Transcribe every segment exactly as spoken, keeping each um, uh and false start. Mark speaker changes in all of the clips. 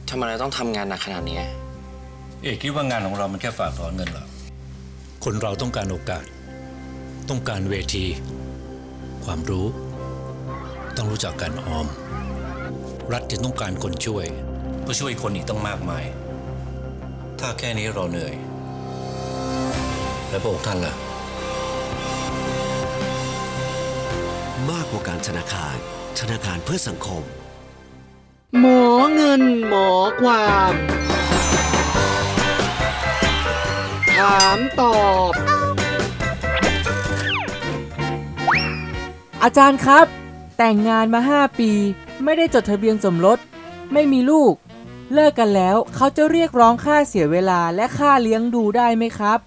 Speaker 1: ทำไมเราต้องทำงานหนักขนาดนี้
Speaker 2: เอกคิดว่างานของเรามันแค่ฝากถอนเงินเหรอคนเราต้องการโอกาสต้องการเวทีความรู้ต้องรู้จักการออมรัฐจะต้องการคนช่วยเพื่อช่วยคนอีกต้องมากมายถ้าแค่นี้เราเหนื่อยแล้วพระองค์ท่านล่ะ
Speaker 3: มากกว่าการธนาคารธนาคารเพื่อสังคม
Speaker 4: หมอเงินหมอความถามตอบ
Speaker 5: อาจารย์ครับแต่งงานมาห้าปีไม่ได้จดทะเบียนสมรสไม่มีลูกเลิกกันแล้วเขาจะเรียกร้องค่าเสียเวลาและค่าเลี้ยงดูได้ไหมครับ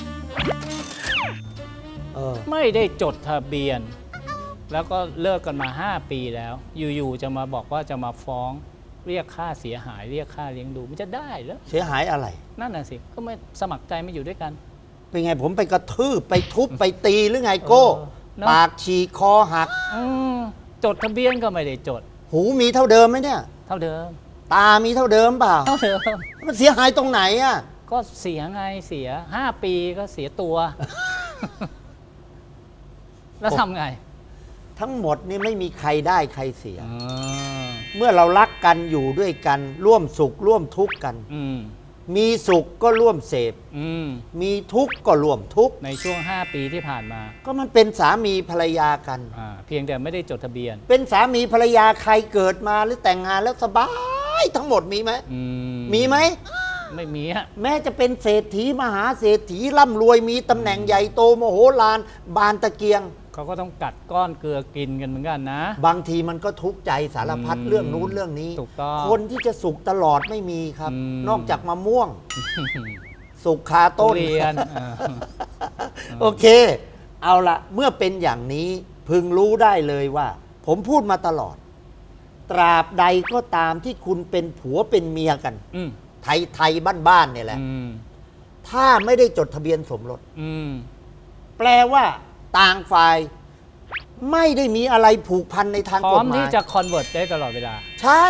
Speaker 6: ไม่ได้จดทะเบียนแล้วก็เลิกกันมาห้าปีแล้วอยู่ๆจะมาบอกว่าจะมาฟ้องเรียกค่าเสียหายเรียกค่าเลี้ยงดูมันจะได้เหรอ
Speaker 7: เสียหายอะไร
Speaker 6: นั่นน่ะสิก็ไม่สมัครใจไม่อยู่ด้วยกัน
Speaker 7: เป็นไงผมไปกระทืบไปทุบไปตีหรือไงโก้ปากฉีกคอหัก
Speaker 6: จดทะเบียนก็ไม่ได้จด
Speaker 7: หูมีเท่าเดิมไหมเนี่ย
Speaker 6: เท่าเดิม
Speaker 7: ตามีเท่าเดิมเปล่า
Speaker 6: เท่าเดิม
Speaker 7: มันเสียหายตรงไหนอ่ะ
Speaker 6: ก็เสียไงเสียห้าปีก็เสียตัว แล้วทำไง
Speaker 7: ทั้งหมดนี่ไม่มีใครได้ใครเสียเมื่อเรารักกันอยู่ด้วยกันร่วมสุขร่วมทุกข์กันมีสุขก็ร่วมเสพมีทุกข์ก็ร่วมทุกข์
Speaker 6: ในช่วงห้าปีที่ผ่านมา
Speaker 7: ก็มันเป็นสามีภรรยากัน
Speaker 6: เพียงแต่ไม่ได้จดทะเบียน
Speaker 7: เป็นสามีภรรยาใครเกิดมาหรือแต่งงานแล้วสบายทั้งหมดมีไหมมีไหม
Speaker 6: ไม่มีฮะ
Speaker 7: แม้จะเป็นเศรษฐีมหาเศรษฐีร่ำรวยมีตำแหน่งใหญ่โตโมโหลานบานตะเกียง
Speaker 6: เขาก็ต้องกัดก้อนเกลือกินกันเหมือนกันนะ
Speaker 7: บางทีมันก็ทุกข์ใจสารพัดเรื่องนู้นเรื่องนี้
Speaker 6: ถูกต้อง
Speaker 7: คนที่จะสุขตลอดไม่มีครับนอกจากมะม่วงสุขคาต้น
Speaker 6: เรียน
Speaker 7: โอเคเอาละเมื่อเป็นอย่างนี้พึงรู้ได้เลยว่าผมพูดมาตลอดตราบใดก็ตามที่คุณเป็นผัวเป็นเมียกันไทยไทยบ้านๆเนี่ยแหละถ้าไม่ได้จดทะเบียนสมรสแปลว่าต่างฝ่ายไม่ได้มีอะไรผูกพันในทางกฎหมายพร้อม
Speaker 6: ที่จะคอนเวิร์ตได้ตลอดเวลา
Speaker 7: ใช่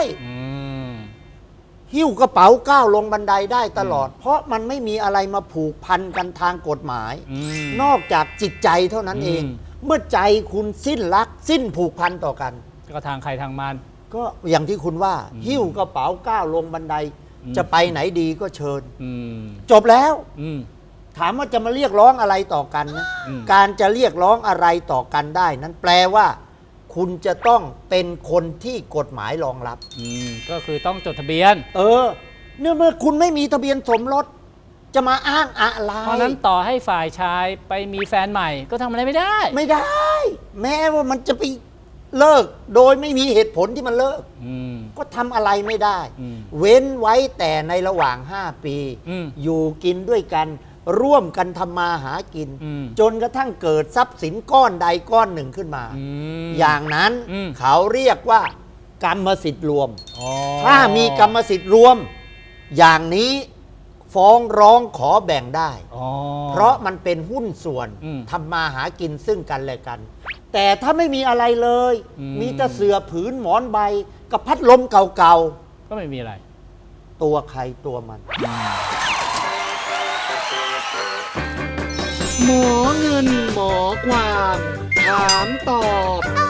Speaker 7: หิ้วกระเป๋าก้าวลงบันไดได้ตลอดเพราะมันไม่มีอะไรมาผูกพันกันทางกฎหมายนอกจากจิตใจเท่านั้นเองเมื่อใจคุณสิ้นรักสิ้นผูกพันต่อกัน
Speaker 6: ก็ทางใครทางมัน
Speaker 7: ก็อย่างที่คุณว่าหิ้วกระเป๋าก้าวลงบันไดจะไปไหนดีก็เชิญจบแล้วถามว่าจะมาเรียกร้องอะไรต่อกันนะการจะเรียกร้องอะไรต่อกันได้นั้นแปลว่าคุณจะต้องเป็นคนที่กฎหมายรองรับ
Speaker 6: ก็คือต้องจดทะเบียน
Speaker 7: เออเนื่องเมื่อคุณไม่มีทะเบียนสมรสจะมาอ้างอะไร
Speaker 6: เพราะนั้นต่อให้ฝ่ายชายไปมีแฟนใหม่ก็ทำอะไรไม่ได้
Speaker 7: ไม่ได้แม้ว่ามันจะไปเลิกโดยไม่มีเหตุผลที่มันเลิกก็ทำอะไรไม่ได้เว้นไว้แต่ในระหว่างห้าปีอยู่กินด้วยกันร่วมกันทำมาหากินจนกระทั่งเกิดทรัพย์สินก้อนใดก้อนหนึ่งขึ้นมาอย่างนั้นเขาเรียกว่ากรรมสิทธิ์รวมถ้ามีกรรมสิทธิ์รวมอย่างนี้ฟ้องร้องขอแบ่งได้เพราะมันเป็นหุ้นส่วนทำมาหากินซึ่งกันและกันแต่ถ้าไม่มีอะไรเลยมีแต่เสื่อผืนหมอนใบกับพัดลมเก่าๆ
Speaker 6: ก็ไม่มีอะไร
Speaker 7: ตัวใครตัวมัน
Speaker 4: หมอเงินหมอความถามตอบ